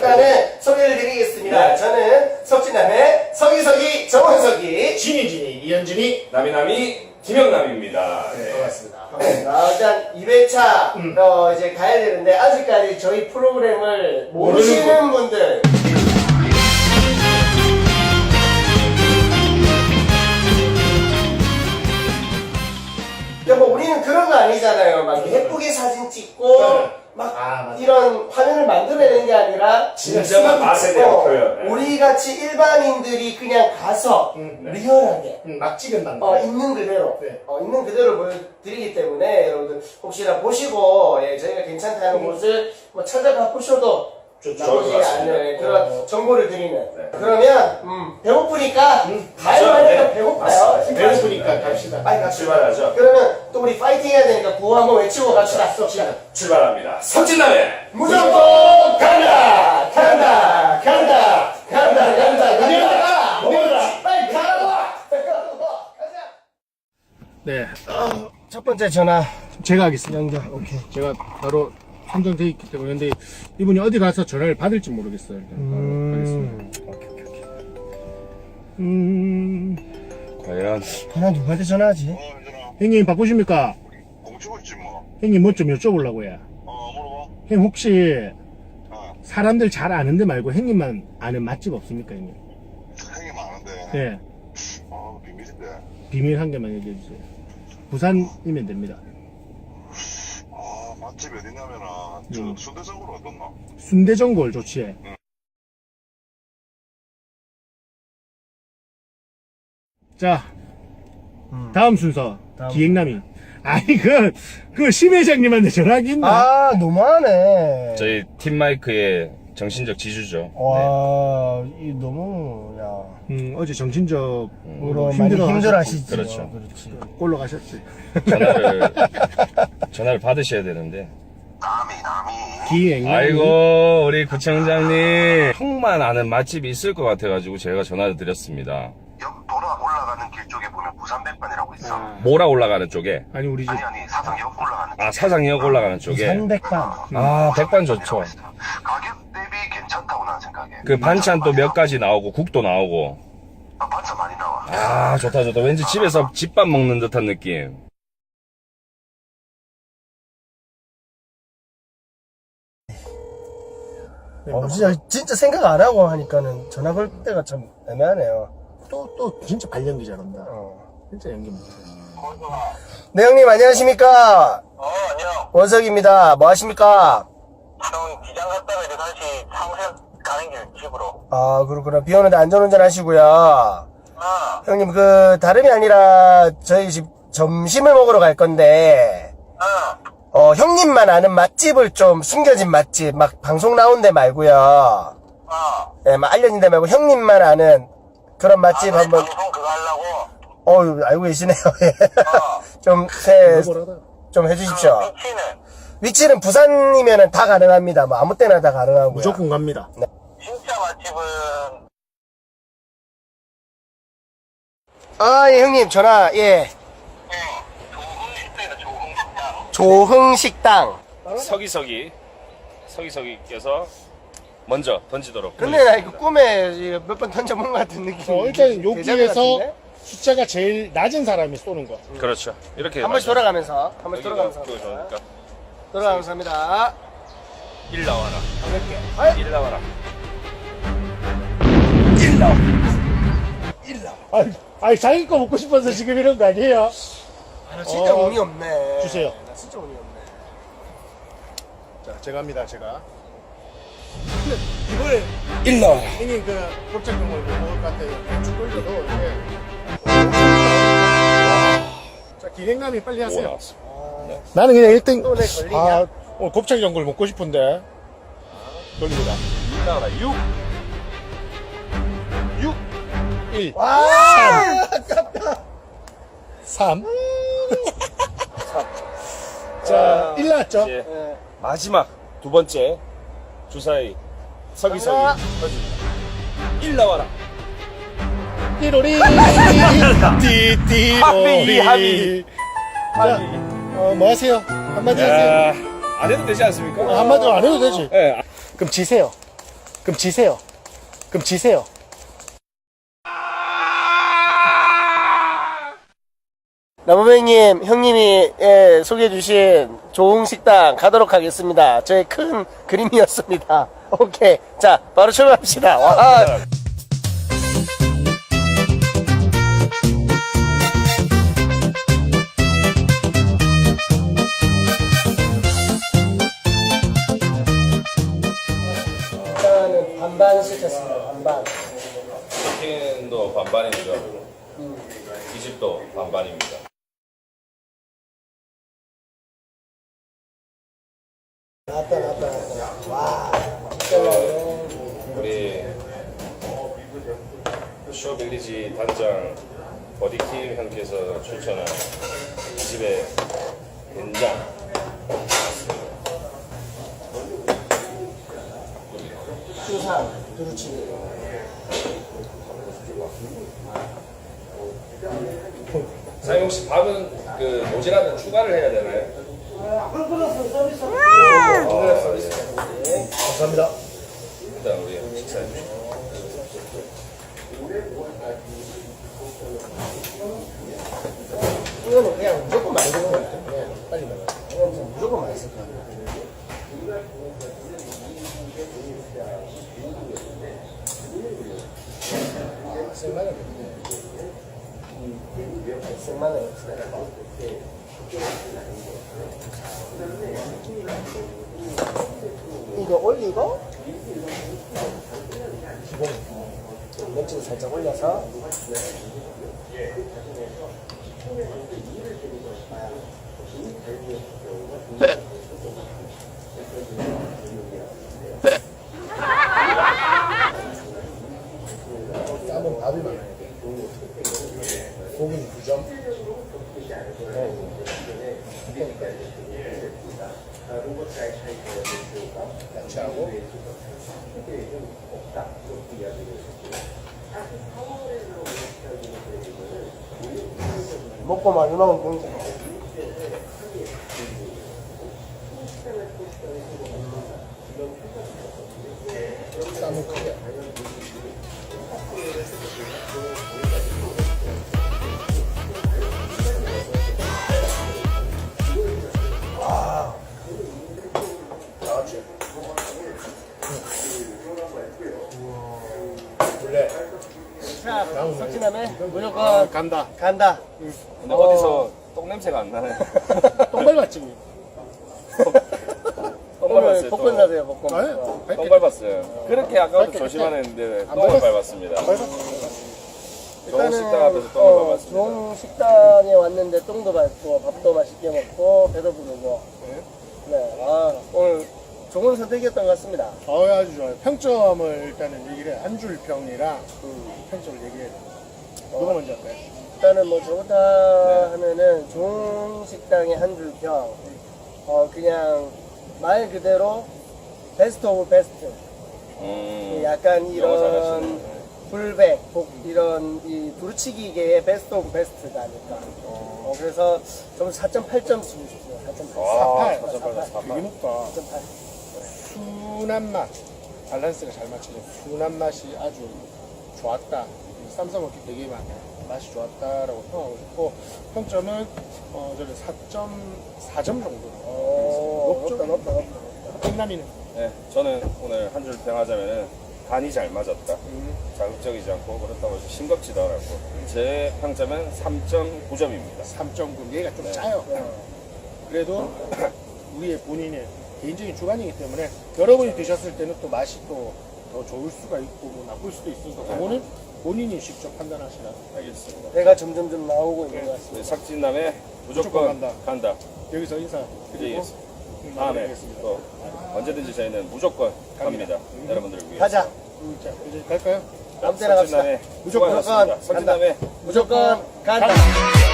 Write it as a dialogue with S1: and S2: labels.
S1: 일단은 소개를 드리겠습니다.
S2: 네.
S1: 저는 석진남의 서기석이 정원석이
S3: 진이 이현진이
S2: 남이남이 김영남입니다.
S3: 네. 반갑습니다.
S1: 일단 2회차 이제 가야 되는데 아직까지 저희 프로그램을 모르시는 분들 뭐 우리는 그런 거 아니잖아요. 막 예쁘게 사진 찍고
S3: 네.
S1: 막
S3: 맞아.
S1: 이런 화면을 만들어내는 게 아니라
S2: 진정한 맛에 대한 표현. 네.
S1: 우리 같이 일반인들이 그냥 가서 리얼하게
S3: 막 찍은단
S1: 있는 그대로
S3: 네.
S1: 있는 그대로 보여드리기 때문에 여러분들 혹시나 보시고 저희가 괜찮다는 곳을 뭐 찾아가 보셔도
S2: 좋을
S1: 나쁘지
S2: 것 같습니다.
S1: 않은 그런 정보를 드리는.
S2: 네.
S1: 그러면 배고프니까 가야
S2: 가죠.
S1: 하니까
S2: 네.
S1: 배고파요.
S2: 맞습니다.
S3: 배고프니까 갑시다.
S1: 빨리 갑시다.
S2: 출발하죠.
S1: 그러면 또 우리 파이팅 해야 되니까 구호 한번 외치고 갑시다.
S2: 출발합니다. 석진남의
S1: 무조건 간다! 간다! 간다! 간다! 간다! 간다!
S3: 먹어라.
S1: 빨리 가라고! 가자!
S3: 네,
S1: 첫 번째 전화
S3: 제가 하겠습니다.
S1: 연결. 오케이.
S3: 제가 바로 선정돼 있기 때문에 근데 이분이 어디 가서 전화를 받을지 모르겠어요. 일단 바로 하겠습니다.
S2: 과연
S1: 하나 누구한테 전화하지?
S3: 형님 바쁘십니까?
S4: 공치고 있지 뭐.
S3: 형님 뭐 좀 여쭤보려고 해.
S4: 물어봐.
S3: 형 혹시
S4: 어,
S3: 사람들 잘 아는 데 말고 형님만 아는 맛집 없습니까, 형님?
S4: 행이 많은데.
S3: 네,
S4: 비밀인데.
S3: 비밀 한 개만 얘기해 주세요. 부산이면 됩니다.
S4: 맛집 어디냐면은 순대전골 어떻나?
S3: 순대전골 좋지. 자, 다음 순서 기획남이. 아니 그 심 회장님한테 전화기 있나?
S1: 아 너무하네.
S2: 저희 팀 마이크의 정신적 지주죠.
S1: 와, 이 너무
S3: 어제 정신적으로
S1: 으로 많이 힘들어하시지.
S2: 그렇죠.
S1: 그렇지.
S3: 꼴로 가셨지.
S2: 전화를 받으셔야 되는데.
S4: 남이.
S3: 기획남.
S2: 아이고 우리 구청장님 형만 아는 맛집이 있을 것 같아가지고 제가 전화를 드렸습니다.
S4: 역 돌아 올라가는 길 쪽에 보면 부산 백반이라고 있어.
S2: 모라 올라가는 쪽에.
S3: 아니 우리 집
S4: 아니 사상역 올라가는 길.
S2: 아 사상역 올라가는 쪽에.
S1: 상백반.
S2: 아 백반 좋죠.
S4: 가격 대비 괜찮다고 난 생각해.
S2: 그 반찬 또 몇 가지 나오고 국도 나오고.
S4: 반찬 많이 나와.
S2: 아 좋다 좋다. 왠지 집에서 집밥 먹는 듯한 느낌.
S1: 진짜 생각 안 하고 하니까는 전화 걸 때가 참 애매하네요.
S3: 또 진짜 발연기 잘한다.
S1: 어.
S3: 진짜 연기 못해.
S1: 네 형님 안녕하십니까?
S4: 안녕.
S1: 원석입니다. 뭐 하십니까?
S4: 형 기장 갔다가 이제 다시 상생 가는 길 집으로.
S1: 아 그렇구나. 비 오는데 안전운전 하시고요.
S4: 아.
S1: 형님 다름이 아니라 저희 집 점심을 먹으러 갈 건데 형님만 아는 맛집을 좀 숨겨진 맛집 막 방송 나온 데 말고요. 예, 막 알려진 데 말고 형님만 아는 그런 맛집 한번.
S4: 방송 그거 하려고.
S1: 알고 계시네요.
S3: 뭐라다.
S1: 좀 해주십시오.
S4: 위치는
S1: 위치는 부산이면은 다 가능합니다. 뭐 아무 때나 다 가능하고요.
S3: 무조건 갑니다.
S4: 진짜 맛집은
S1: 예, 형님 전화 예. 조흥식당.
S2: 서기석이께서 먼저 던지도록.
S1: 근데 나 이거 꿈에 몇 번 던져본 것 같은 느낌.
S3: 일단
S1: 대자뷰
S3: 여기에서
S1: 같은데?
S3: 숫자가 제일 낮은 사람이 쏘는 거.
S2: 그렇죠. 이렇게
S1: 한 번씩 돌아가면서 한 번씩
S2: 여기가
S1: 돌아가면서
S2: 그거
S1: 합니다.
S2: 좋으니까.
S1: 돌아가면서 합니다.
S2: 1 나와라.
S1: 가볍게.
S2: 1 나와라.
S3: 아니 자기 거 먹고 싶어서 지금 이런 거 아니에요?
S1: 나 진짜 운이 없네.
S3: 주세요.
S1: 나 진짜 운이 없네.
S3: 자, 제가 합니다. 제가.
S2: 1 나와라.
S3: 형님 그 곱창 걸 먹을 것 같아요. 죽돌도 이렇게. 자, 기획남이 빨리
S2: 오
S3: 하세요.
S2: 나왔어.
S3: 나는 그냥 1등.
S1: 또 내 걸리냐?
S3: 곱창 전골 먹고 싶은데. 돌립니다.
S2: 1 나와라. 6.
S3: 1,
S1: 와!
S3: 3. 자, 1 나왔죠?
S2: 이제 마지막 두 번째 주사위 서기석이
S1: 나와라.
S2: 터집니다. 1 나와라.
S3: 띠로리. 띠띠로리.
S2: 합의.
S3: 자, 뭐 하세요? 한마디 하세요.
S2: 안 해도 되지 않습니까?
S3: 한마디로 안 해도 되지.
S2: 예.
S3: 그럼 지세요.
S1: 그럼 지세요. 그럼 지세요. 나무배님, 형님이 소개해주신 좋은 식당 가도록 하겠습니다. 저의 큰 그림이었습니다. 오케이. 자, 바로 출발합시다. 와. 일단은 반반 시켰습니다. 반반.
S2: 치킨도 반반입니다. 이 집도 반반입니다.
S1: 나왔다. 와. 맛있겠네.
S2: 우리 쇼빌리지 단장 버디킴 형께서 추천한 이 집의 된장.
S1: 수산, 두루치기.
S2: 사장님 혹시 밥은 그 모자라면 추가를 해야 되나요? 예.
S1: 감사합니다.
S2: 일단 우리 식사해 주시고.
S1: 이거는 그냥 무조건 맛있는 거 같아요. 그냥 빨리 먹어요. 이건 무조건 맛있을 것 같아요. 생마늘. 생마늘. 이거 올리고 기본 멸치를 살짝 올려서 쌈은 밥이 많아야 돼. 고기는 9점. 야채하고 먹고 많이 먹으면 굉장히 쌈은 크게 자, 석진남에 무조건
S3: 간다.
S1: 간다.
S2: 근데 어디서 똥 냄새가 안 나네.
S3: 똥 밟았지.
S2: 똥
S1: 오늘
S2: 밟았어요.
S1: 복권 사세요, 복권.
S3: 아니,
S2: 똥 밟았어요. 그렇게 아까부터
S3: 밟게,
S2: 조심하는데
S3: 안
S2: 똥을
S3: 밟았어.
S2: 밟았습니다. 좋은
S1: 일단은
S2: 식당 앞에서 똥을 밟았습니다.
S1: 좋은 식당에 왔는데 똥도 밟고 밥도 맛있게 먹고 배도 부르고. 네, 아 오늘 좋은 선택이었던 것 같습니다.
S3: 아주 좋아요. 평점을 일단은 얘기를 해. 한 줄 평이랑 평점을 얘기해. 누가 먼저 할까요?
S1: 일단은 뭐 저부터 하면은 좋은 식당의 한 줄 평. 그냥 말 그대로 베스트 오브 베스트. 약간
S2: 영어
S1: 이런
S2: 잘하시네.
S1: 불백, 이런 이 두루치기계의 베스트 오브 베스트가 아닐까. 그래서 좀 4.8점 주고 싶어요. 4.8.
S3: 4.8. 되게 높다.
S1: 4.8.
S3: 순한 맛. 밸런스가 잘 맞춰져. 순한 맛이 아주 좋았다. 쌈 싸먹기 되게 맛이 좋았다라고 평하고 싶고, 평점은 저는 4.4점 정도.
S1: 높다.
S3: 끝남이는
S2: 네, 저는 오늘 한 줄 평하자면은 간이 잘 맞았다. 자극적이지 않고 그렇다고 해서 싱겁지도 않았고 제 평점은 3.9점입니다.
S3: 3.9. 얘가 좀 짜요. 그래도 우리의 본인의 개인적인 주관이기 때문에 여러분이 드셨을 때는 또 맛이 또 더 좋을 수가 있고 뭐 나쁠 수도 있으니까 그거는 본인이 직접 판단하시라.
S2: 알겠습니다.
S1: 배가 점점 나오고 있는 것 같습니다.
S2: 네, 삭진남의 무조건 간다.
S3: 여기서 인사 드리고
S2: 드리겠습니다. 다음에
S3: 마무리하겠습니다.
S2: 또 언제든지 저희는 무조건 갑니다. 여러분들을 위해서.
S1: 가자.
S3: 자, 이제 갈까요?
S1: 아무 때나 갑시다.
S2: 무조건
S1: 무조건 간다.
S2: 삭진남의
S1: 무조건 간다.